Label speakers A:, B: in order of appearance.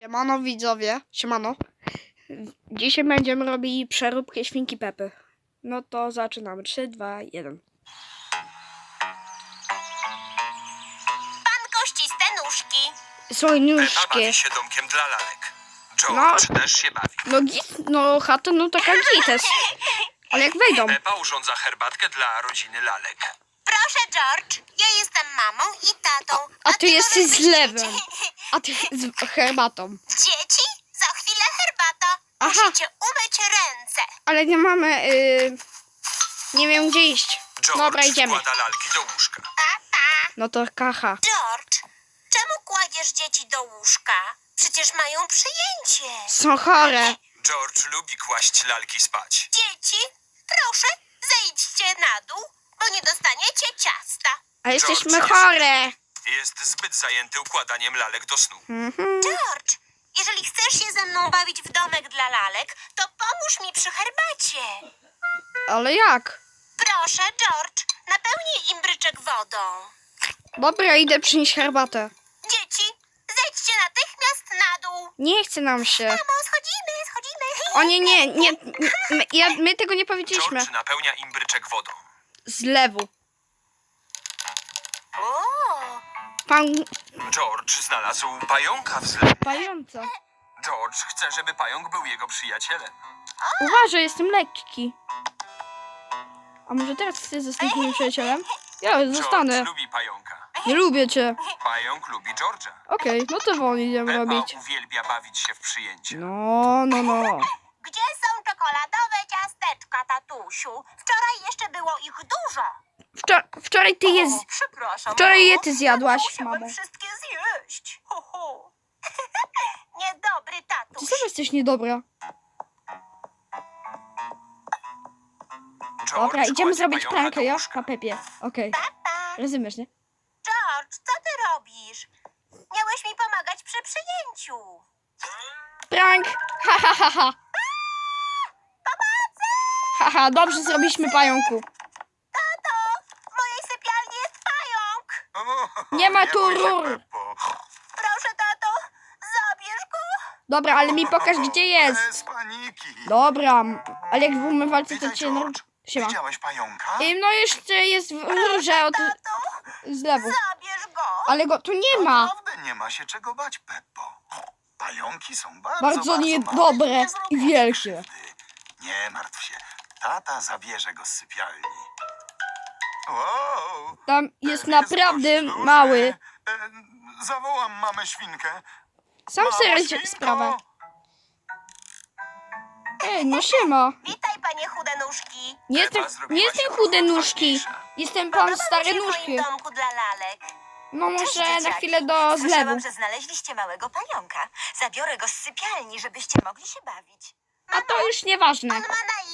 A: Siemano widzowie, siemano. Dzisiaj będziemy robili przeróbkę świnki Pepy. No to zaczynamy. 3, 2, 1.
B: Pan kościste nóżki.
A: Są
C: Pepa
A: nóżki.
C: bawi się domkiem dla lalek. George też się bawi.
A: No chata, no taka gites. Ale jak wejdą.
C: Pepa urządza herbatkę dla rodziny lalek.
B: Proszę, George. Ja jestem mamą i tatą.
A: A ty jesteś
B: możesz
A: z
B: być
A: lewem.
B: dzieci.
A: A ty z herbatą.
B: Dzieci? Za chwilę herbata.
A: Aha.
B: Musicie umyć ręce.
A: Ale nie mamy... nie wiem gdzie iść.
C: George
A: Dobra, idziemy.
C: składa lalki do łóżka.
A: No to kacha.
B: George, czemu kładziesz dzieci do łóżka? Przecież mają przyjęcie.
A: Są chore.
C: George lubi kłaść lalki spać.
B: Dzieci, proszę, zejdźcie na dół, bo nie dostaniecie ciasta.
A: A jesteśmy
C: George
A: chore.
C: Jest zbyt zajęty układaniem lalek do snu.
A: Mhm.
B: George, jeżeli chcesz się ze mną bawić w domek dla lalek, to pomóż mi przy herbacie.
A: Ale jak?
B: Proszę, George, napełnij imbryczek wodą.
A: Dobra, idę przynieść herbatę.
B: Dzieci, zejdźcie natychmiast na dół.
A: Nie chce nam się.
B: Mamo, schodzimy.
A: O nie, my tego nie powiedzieliśmy.
C: George napełnia imbryczek wodą.
A: Z lewu.
B: O,
A: Pan
C: George znalazł pająka w zlewie.
A: pająca.
C: George chce, żeby pająk był jego przyjacielem.
A: Uważaj, jestem lekki. A może teraz ty zostaniesz moim przyjacielem? Ja zostanę.
C: George lubi pająka.
A: Nie lubię cię.
C: Pająk lubi George'a.
A: Okej, no to wolno idziemy
C: Pepa
A: robić.
C: uwielbia bawić się w przyjęcie.
A: No.
B: gdzie są czekoladowe ciasteczka, tatusiu? Wczoraj jeszcze było ich dużo.
A: Wczoraj ty je
B: O, przepraszam.
A: wczoraj je
B: mamo.
A: ty zjadłaś,
B: Musiałem
A: mamo.
B: wszystkie zjeść. Ho, ho. Niedobry
A: Ty
B: tatuś.
A: sama jesteś niedobra.
C: George
A: Dobra, idziemy
C: kładzie
A: zrobić
C: pająka
A: prankę,
C: do
A: jo?
C: łóżka.
A: Na Pepie. Okej. Rozumiesz, nie?
B: George, co ty robisz? Miałeś mi pomagać przy przyjęciu.
A: Prank! Ha. Haha, dobrze zrobiliśmy pająku.
B: Tato, w mojej sypialni jest pająk.
A: Nie ma tu
C: bój się,
A: rur.
C: Peppo.
B: Proszę, tato, zabierz go.
A: Dobra, ale mi pokaż gdzie jest.
D: Bez paniki.
A: Dobra, ale jak w umywalce to
D: Witaj,
A: cię...
D: George.
A: Siema.
D: Widziałeś pająka?
A: No jeszcze jest w rurze od...
B: Tato,
A: z lewu.
B: zabierz go.
A: Ale go tu nie ma.
D: Naprawdę nie ma się czego bać, Peppo. Pająki są bardzo
A: Bardzo niedobre
D: małe nie
A: i
D: zrobią
A: wielkie.
D: krzywdy. Nie martw się. Tata zabierze go z sypialni. Wow,
A: Tam jest
D: ten
A: naprawdę
D: dość duży.
A: mały.
D: Zawołam mamę świnkę.
A: Sam
D: Mamo,
A: sobie
D: świnko!
A: sprawę. Ej, no siema.
B: Witaj, panie chude nóżki.
A: Nie jestem chude nóżki. Jestem pan
B: Podoba
A: stare
B: mi się w
A: nóżki.
B: moim domku dla lalek.
A: No
B: Cześć,
A: może na
B: dzieciaki.
A: chwilę do zlewu.
B: Słyszałam, że znaleźliście małego pająka. Zabiorę go z sypialni, żebyście mogli się bawić.
A: A to już nieważne.
B: On ma na